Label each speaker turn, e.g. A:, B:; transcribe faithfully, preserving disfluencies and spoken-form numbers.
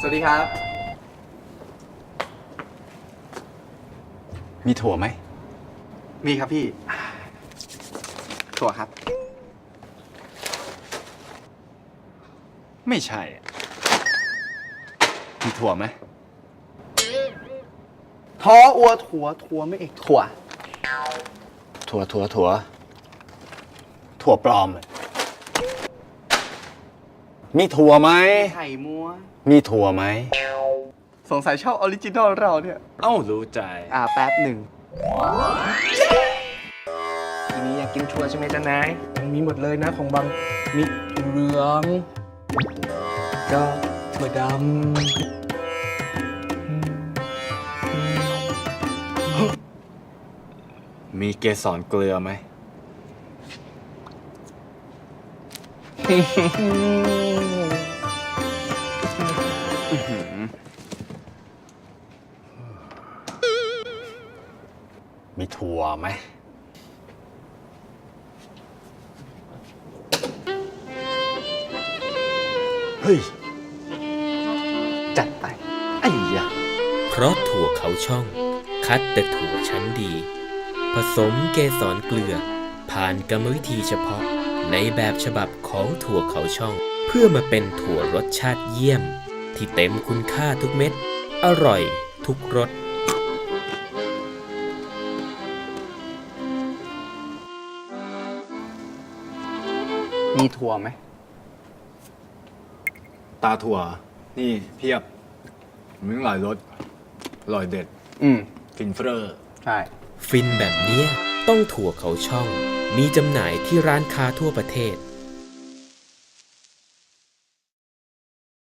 A: วัสดีครับ
B: มีถั่วไหม
A: มีครับพี่ถั่วครับ
B: ไม่ใช่มีถั่วไหม
A: ท้ออัวถั่วถั่วไม่เอกถั่ว
B: ถั่วถั่วถั่วถั่วปลอมเลยมีถั่วไหม
A: ไข่มัว
B: มีถั่วไหม
A: สงสัยชอบออริจินอลเราเนี่ย
B: เอ้ารู้ใจ
A: อ่าแป๊บหนึ่ง
C: ทีนี้อยากกินถั่วใช่ไหมจ๊ะนายมันมีหมดเลยนะของบางมีถั่วเหลืองก็ถั่วด
B: ำมีเกสรเกลือไหมมีถั่วไหมเฮ้ย
A: จัดไปไอ้ยะ
D: เพราะถั่วเขาช่องคัดแต่ถั่วชั้นดี ผสมเกสรเกลือผ่านกรรมวิธีเฉพาะในแบบฉบับของถั่วเขาช่องเพื่อมาเป็นถั่วรสชาติเยี่ยมที่เต็มคุณค่าทุกเม็ดอร่อยทุกรส
A: มีถั่วไหม
B: ตาถั่วนี่เพียบมีหลายรสอร่อยเด็ด
A: อืม
B: ฟินเฟ้อ
A: ใช่
D: ฟินแบบเนี้ยต้องถั่วเขาช่องมีจำหน่ายที่ร้านค้าทั่วประเทศ